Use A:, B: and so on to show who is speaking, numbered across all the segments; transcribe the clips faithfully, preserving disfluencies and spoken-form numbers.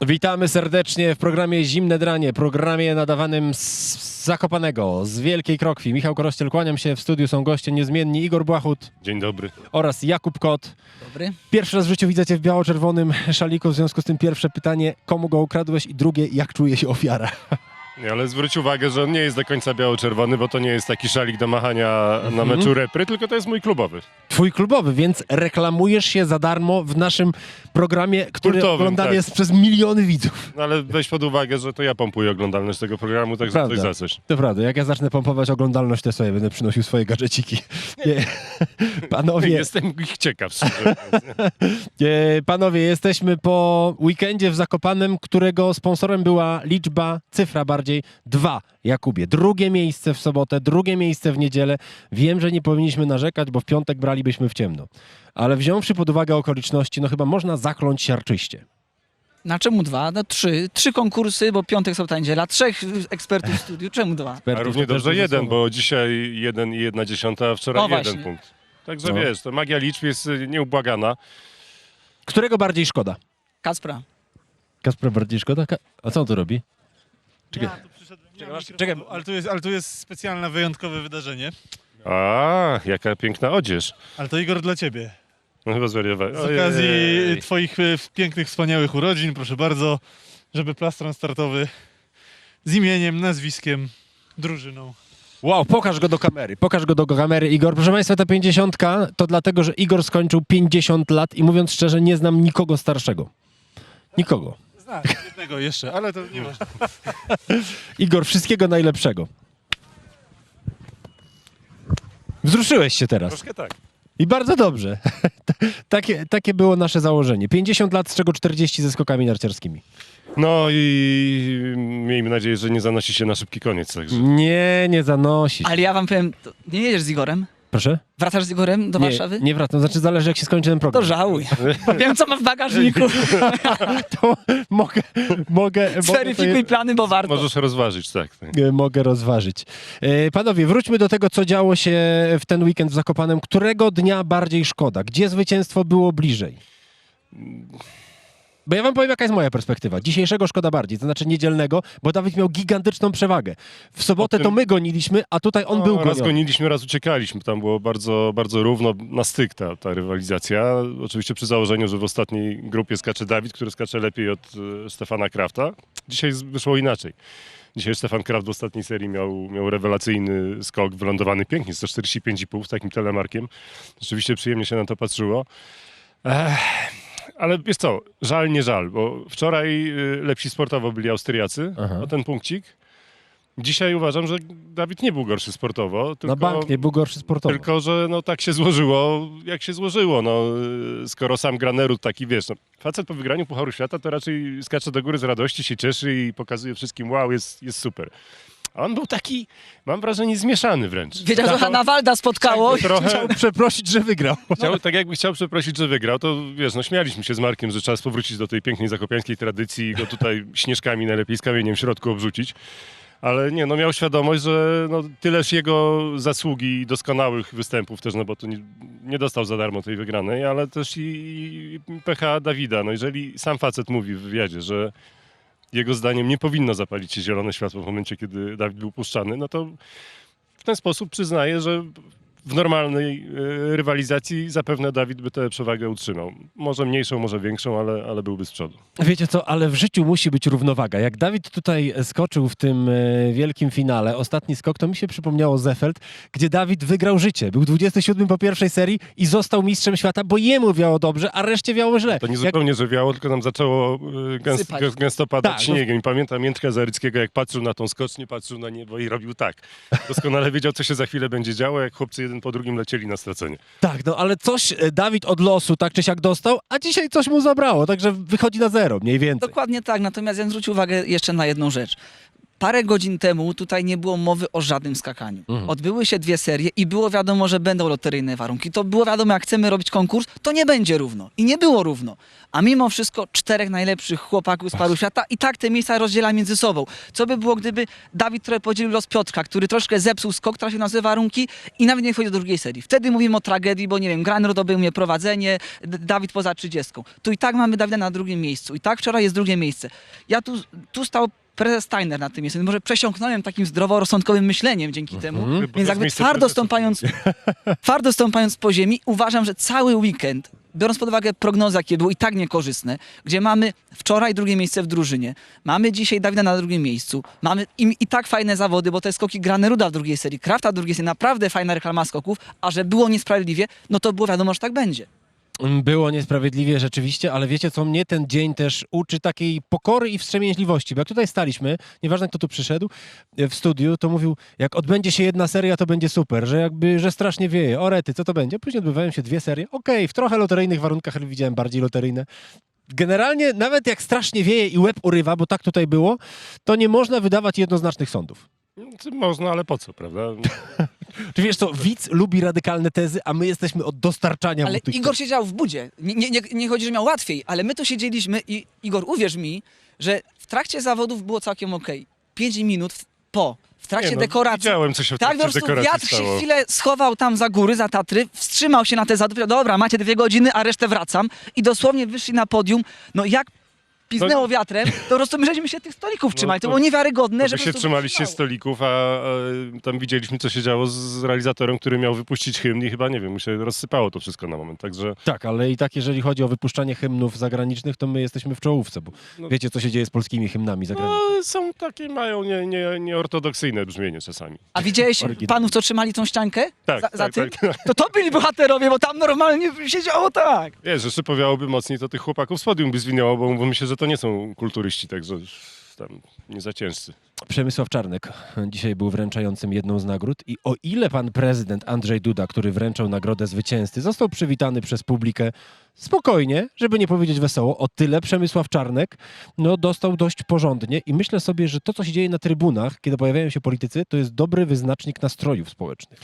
A: Witamy serdecznie w programie Zimne Dranie, programie nadawanym z Zakopanego, z Wielkiej Krokwi. Michał Korościel, kłaniam się, w studiu są goście niezmienni Igor Błachut.
B: Dzień dobry.
A: Oraz Jakub Kot.
C: Dobry.
A: Pierwszy raz w życiu widzę cię w biało-czerwonym szaliku, w związku z tym pierwsze pytanie, komu go ukradłeś, i drugie, jak czuje się ofiara?
B: Nie, ale zwróć uwagę, że on nie jest do końca biało-czerwony, bo to nie jest taki szalik do machania na meczu repry, tylko to jest mój klubowy.
A: Twój klubowy, więc reklamujesz się za darmo w naszym programie, który
B: Kultowym,
A: oglądany
B: tak.
A: jest przez miliony widzów.
B: No ale weź pod uwagę, że to ja pompuję oglądalność tego programu, także
A: Prawda.
B: coś za coś.
A: To prawda, jak ja zacznę pompować oglądalność, to sobie będę przynosił swoje gadżeciki. Nie. Panowie,
B: Jestem ich ciekaw, szczerze mówiąc.
A: e, panowie, jesteśmy po weekendzie w Zakopanem, którego sponsorem była liczba, cyfra bardziej, dwa. Jakubie, drugie miejsce w sobotę, drugie miejsce w niedzielę. Wiem, że nie powinniśmy narzekać, bo w piątek bralibyśmy w ciemno. Ale wziąwszy pod uwagę okoliczności, no chyba można zakląć siarczyście.
C: Na czemu dwa? No trzy. Trzy konkursy, bo piątek, sobota, niedziela. Trzech ekspertów w studiu. Czemu dwa?
B: A równie
A: To też
B: dobrze
A: duże
B: jeden,
A: słowo.
B: bo dzisiaj jeden i jedna dziesiąta, a wczoraj
C: O,
B: jeden
C: właśnie.
B: punkt. Także
A: No.
B: wiesz, to magia liczb jest y, nieubłagana.
A: Którego bardziej szkoda?
C: Kacpra.
A: Kasper bardziej szkoda? Ka- A co on tu robi? Czekaj.
D: Ja tu przyszedłem, nie
A: Czekaj,
D: mam
A: masz-
D: mikrofonu,
A: czekaj.
D: ale tu, jest, ale tu jest specjalne, wyjątkowe wydarzenie.
B: A, jaka piękna odzież.
D: Ale to Igor dla ciebie.
B: No chyba zwariowałem.
D: Z okazji twoich e, wspaniałych, wspaniałych urodzin, proszę bardzo, żeby plastron startowy z imieniem, nazwiskiem, drużyną.
A: Wow, pokaż go do kamery, pokaż go do kamery, Igor. Proszę Państwa, ta pięćdziesiątka to dlatego, że Igor skończył pięćdziesiąt lat i mówiąc szczerze, nie znam nikogo starszego. Nikogo.
D: Znam jednego jeszcze, ale to nie ważne.
A: Igor, wszystkiego najlepszego. Wzruszyłeś się teraz.
B: Troszkę tak.
A: I bardzo dobrze. takie, takie było nasze założenie. pięćdziesiąt lat, z czego czterdzieści ze skokami narciarskimi.
B: No i miejmy nadzieję, że nie zanosi się na szybki koniec. Także.
A: Nie, nie zanosisz.
C: Ale ja wam powiem, to nie jedziesz z Igorem?
A: Proszę?
C: Wracasz z Igorem do
A: Nie,
C: Warszawy?
A: nie wracam. Znaczy zależy, jak się skończy ten program.
C: To żałuj. Bo wiem, co ma w bagażniku.
A: To mogę, mogę, mogę,
C: Zweryfikuj plany, bo warto.
B: Możesz rozważyć, tak. tak.
A: to, mogę rozważyć. E, Panowie, wróćmy do tego, co działo się w ten weekend w Zakopanem. Którego dnia bardziej szkoda? Gdzie zwycięstwo było bliżej? Bo ja wam powiem, jaka jest moja perspektywa. Dzisiejszego szkoda bardziej, to znaczy niedzielnego, bo Dawid miał gigantyczną przewagę. W sobotę
B: O tym-
A: to my goniliśmy, a tutaj on
B: No,
A: był
B: raz
A: goniony.
B: goniliśmy, raz uciekaliśmy. Tam było bardzo, bardzo równo na styk ta, ta rywalizacja. Oczywiście przy założeniu, że w ostatniej grupie skacze Dawid, który skacze lepiej od e, Stefana Krafta. Dzisiaj z- wyszło inaczej. Dzisiaj Stefan Kraft w ostatniej serii miał, miał rewelacyjny skok, wylądowany pięknie, sto czterdzieści pięć i pół z takim telemarkiem. Rzeczywiście przyjemnie się na to patrzyło. Ech. Ale wiesz co, żal nie żal, bo wczoraj y, lepsi sportowo byli Austriacy
A: Aha.
B: o ten punkcik. Dzisiaj uważam, że Dawid nie był gorszy sportowo, tylko,
A: Na bank nie był gorszy sportowo.
B: tylko że no, tak się złożyło, jak się złożyło. No, y, skoro sam Granerud taki, wiesz, no, facet po wygraniu Pucharu Świata to raczej skacze do góry z radości, się cieszy i pokazuje wszystkim, wow, jest, jest super. A on był taki, mam wrażenie, zmieszany wręcz.
C: Wiedział, że Hanna Walda spotkało.
B: Tak, trochę-
A: Chciał przeprosić, że wygrał.
B: Chciał, tak jakby chciał przeprosić, że wygrał, to wiesz, no śmialiśmy się z Markiem, że czas powrócić do tej pięknej zakopiańskiej tradycji i go tutaj śnieżkami, najlepiej z kamieniem w środku obrzucić. Ale nie, no miał świadomość, że no, tyleż jego zasługi i doskonałych występów też, no bo to nie, nie dostał za darmo tej wygranej, ale też i, i pecha Dawida. No jeżeli sam facet mówi w wywiadzie, że jego zdaniem nie powinno zapalić się zielone światło w momencie, kiedy Dawid był puszczany, no to w ten sposób przyznaje, że w normalnej e, rywalizacji zapewne Dawid by tę przewagę utrzymał. Może mniejszą, może większą, ale, ale byłby z przodu.
A: Wiecie co, ale w życiu musi być równowaga. Jak Dawid tutaj skoczył w tym e, wielkim finale, ostatni skok, to mi się przypomniało Zefeld, gdzie Dawid wygrał życie. Był dwudziesty siódmy po pierwszej serii i został mistrzem świata, bo jemu wiało dobrze, a reszcie wiało źle.
B: To nie
A: Jak,
B: zupełnie, że wiało, tylko nam zaczęło e, gęst,
C: Sypać.
B: gęst, gęsto padać
A: Tak, no-
B: śniegiem. I pamiętam Jędrka Zaryckiego, jak patrzył na tą skocznię, patrzył na niebo i robił tak. Doskonale wiedział, co się za chwilę będzie działo, jak chłopcy jeden po drugim lecieli na stracenie.
A: tak, no ale coś e, Dawid od losu tak czy siak dostał, a dzisiaj coś mu zabrało, także wychodzi na zero, mniej więcej.
C: Dokładnie tak, natomiast ja zwrócił uwagę jeszcze na jedną rzecz. Parę godzin temu tutaj nie było mowy o żadnym skakaniu.
A: Mhm.
C: Odbyły się dwie serie i było wiadomo, że będą loteryjne warunki. To było wiadomo, jak chcemy robić konkurs, to nie będzie równo. I nie było równo. A mimo wszystko czterech najlepszych chłopaków z paru świata i tak te miejsca rozdziela między sobą. Co by było, gdyby Dawid trochę podzielił los Piotrka, który troszkę zepsuł skok, trafił na złe warunki i nawet nie wchodzi do drugiej serii. Wtedy mówimy o tragedii, bo nie wiem, Granro dobył mnie prowadzenie, D- Dawid poza trzydziestką. Tu i tak mamy Dawida na drugim miejscu. I tak wczoraj jest drugie miejsce. Ja tu, tu stał prezes Steiner na tym miejscu. Może przesiąknąłem takim zdroworozsądkowym myśleniem dzięki temu.
A: Mhm.
B: Chyba
C: Więc
B: to
C: jakby
B: jest miejsce
C: twardo
B: prezesów.
C: stąpając, twardo stąpając po ziemi, uważam, że cały weekend, biorąc pod uwagę prognozy, jakie były i tak niekorzystne, gdzie mamy wczoraj drugie miejsce w drużynie, mamy dzisiaj Dawida na drugim miejscu, mamy i, i tak fajne zawody, bo te skoki Graneruda w drugiej serii, Krafta w drugiej serii, naprawdę fajna reklama skoków, a że było niesprawiedliwie, no to było wiadomo, że tak będzie.
A: Było niesprawiedliwie rzeczywiście, ale wiecie co, mnie ten dzień też uczy takiej pokory i wstrzemięźliwości, bo jak tutaj staliśmy, nieważne kto tu przyszedł e, w studiu, to mówił, jak odbędzie się jedna seria, to będzie super, że jakby, że strasznie wieje, o rety, co to będzie? Później odbywają się dwie serie, okej, w trochę loteryjnych warunkach, ale widziałem bardziej loteryjne. Generalnie nawet jak strasznie wieje i łeb urywa, bo tak tutaj było, to nie można wydawać jednoznacznych sądów.
B: Czy Można, ale po co, prawda?
A: Czy wiesz co, widz lubi radykalne tezy, a my jesteśmy od dostarczania
C: Ale
A: mu tych
C: Igor siedział w budzie. Nie, nie, nie, nie chodzi, że miał łatwiej, ale my tu siedzieliśmy i Igor, uwierz mi, że w trakcie zawodów było całkiem okej. Pięć minut w- po, w trakcie
B: Nie, no,
C: dekoracji.
B: Widziałem, co się w
C: Tak, po
B: trakcie
C: prostu
B: dekoracji
C: wiatr się
B: stało.
C: chwilę schował tam za góry, za Tatry, wstrzymał się na te zawody, powiedział, dobra, macie dwie godziny, a resztę wracam. I dosłownie wyszli na podium. No jak piznęło
B: No-
C: wiatrem, to po prostu my żeśmy się tych stolików trzymali. To,
B: to-
C: było niewiarygodne,
B: To
C: że
B: wy
C: po
B: się
C: prostu
B: trzymaliście
C: stało.
B: stolików, a, a tam widzieliśmy, co się działo z, z realizatorem, który miał wypuścić hymn i chyba, nie wiem, mu się rozsypało to wszystko na moment, także...
A: Tak, ale i tak jeżeli chodzi o wypuszczanie hymnów zagranicznych, to my jesteśmy w czołówce, bo
B: No-
A: wiecie, co się dzieje z polskimi hymnami zagranicznymi.
B: No, są takie, mają nie, nie, nieortodoksyjne brzmienie czasami.
C: A widziałeś
A: Oryginał.
C: panów, co trzymali tą ściankę?
B: Tak,
C: za, za
B: tak,
C: tym?
B: tak, tak.
C: To to byli bohaterowie, bo tam normalnie się działo tak.
B: Wiesz, że szypowiałoby mocniej, to tych chłopaków z podium by zwinęło, bo, bo myślę, że to nie są kulturyści, także tam nie za ciężcy.
A: Przemysław Czarnek dzisiaj był wręczającym jedną z nagród i o ile pan prezydent Andrzej Duda, który wręczał nagrodę zwycięzcy, został przywitany przez publikę spokojnie, żeby nie powiedzieć wesoło, o tyle Przemysław Czarnek no, dostał dość porządnie i myślę sobie, że to, co się dzieje na trybunach, kiedy pojawiają się politycy, to jest dobry wyznacznik nastrojów społecznych.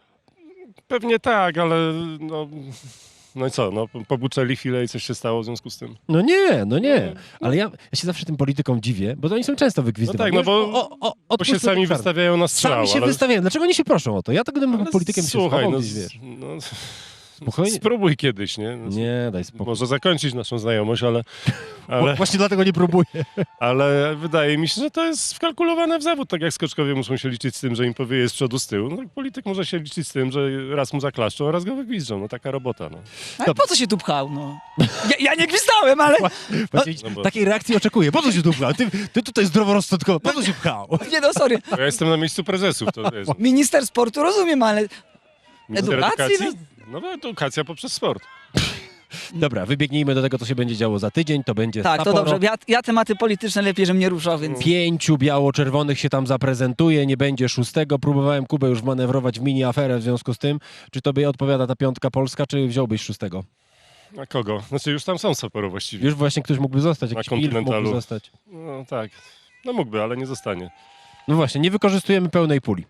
B: Pewnie tak, ale no... No i co, no pobuczeli chwilę i coś się stało w związku z tym.
A: No nie, no nie. Ale ja, ja się zawsze tym politykom dziwię, bo oni są często wygwizdywani.
B: No tak, no bo-
A: Wiesz, o, o, o,
B: Bo się
A: odpuśćmy
B: sami
A: ten czarny.
B: wystawiają na strzał,
A: Sami się
B: ale...
A: wystawiają. Dlaczego oni się proszą o to? Ja tak gdybym był
B: ale
A: politykiem się
B: słuchaj,
A: schował
B: no,
A: gdzieś,
B: z-
A: wiesz.
B: no,
A: Spokojnie.
B: spróbuj kiedyś, nie? No,
A: Nie, daj spokój.
B: Może zakończyć naszą znajomość, ale,
A: Bo
B: ale,
A: właśnie dlatego nie próbuję.
B: ale wydaje mi się, że to jest wkalkulowane w zawód. Tak jak skoczkowie muszą się liczyć z tym, że im powieje z przodu, z tyłu. No, tak polityk może się liczyć z tym, że raz mu zaklaszczą, a raz go wygwizdżą. No taka robota. No.
C: Ale po co się tu pchał, no? Ja, ja nie gwizdałem, ale...
A: Właśnie
B: No bo-
A: takiej reakcji oczekuję. Po co się tu pchał? Ty, ty tutaj zdroworozsądkowo. Po co się pchał?
C: Nie no, sorry.
B: Ja jestem na miejscu prezesów. To jest
C: Minister sportu rozumiem, ale
B: minister
C: Edukacji?
B: No bo edukacja poprzez sport.
A: Dobra, wybiegnijmy do tego, co się będzie działo za tydzień. To będzie
C: tak, to
A: Sapporo.
C: dobrze. Ja, ja tematy polityczne lepiej, żebym nie ruszał, więc...
A: Pięciu biało-czerwonych się tam zaprezentuje, nie będzie szóstego. Próbowałem Kubę już manewrować w mini aferę w związku z tym. Czy tobie odpowiada ta piątka polska, czy wziąłbyś szóstego?
B: A kogo? Znaczy już tam są Sapporo właściwie.
A: Już właśnie ktoś mógłby zostać,
B: Na
A: jakiś pilch mógłby
B: kontynentalu.
A: zostać.
B: No tak. No mógłby, ale nie zostanie.
A: No właśnie, nie wykorzystujemy pełnej puli.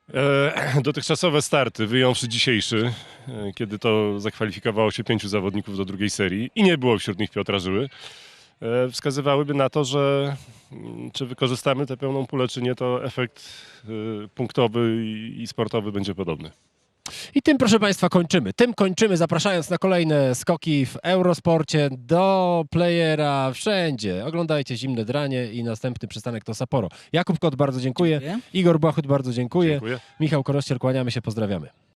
B: E, dotychczasowe starty, wyjąwszy dzisiejszy, e, kiedy to zakwalifikowało się pięciu zawodników do drugiej serii i nie było wśród nich Piotra Żyły, e, wskazywałyby na to, że mm, czy wykorzystamy tę pełną pulę, czy nie, to efekt e, punktowy i, i sportowy będzie podobny.
A: I tym, proszę Państwa, kończymy. Tym kończymy, zapraszając na kolejne skoki w Eurosporcie, do Playera, wszędzie. Oglądajcie Zimne Dranie i następny przystanek to Sapporo. Jakub Kot, bardzo dziękuję.
C: Dziękuję.
A: Igor Błachut, bardzo dziękuję.
B: Dziękuję.
A: Michał Korościel, kłaniamy się, pozdrawiamy.